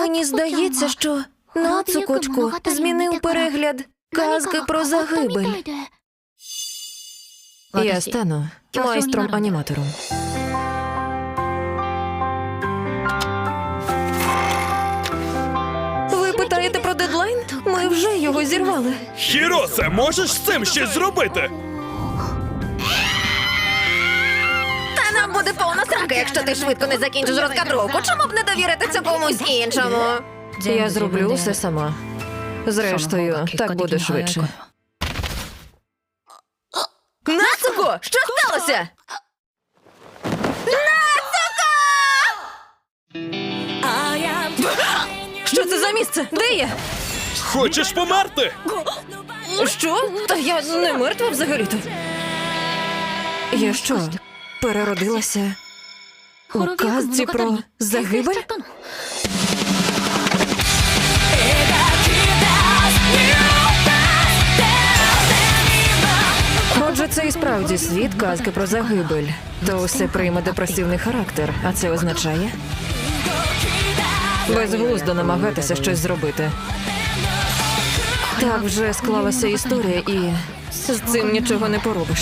Мені здається, що Нацукочку змінив перегляд казки про загибель. Я стану майстром-аніматором. Ви питаєте про дедлайн? Ми вже його зірвали. Хіросе, можеш з цим щось зробити? Та нам буде повна срака, якщо ти швидко не закінчиш розкадровку. Чому б не довірити це комусь іншому? Я зроблю усе сама. Зрештою, так буде швидше. Нацуко! Що сталося? Нацуко! Що це за місце? Де я? Хочеш померти? Що? Та я не мертва взагалі-то. Я що, переродилася у казці про загибель? Отже, це і справді світ казки про загибель. То усе прийме депресивний характер, а це означає безглуздо намагатися щось зробити. Так вже склалася історія, і з цим нічого не поробиш.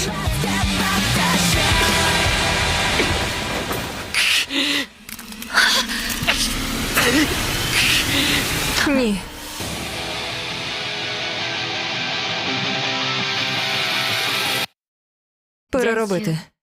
Ні. Переробити.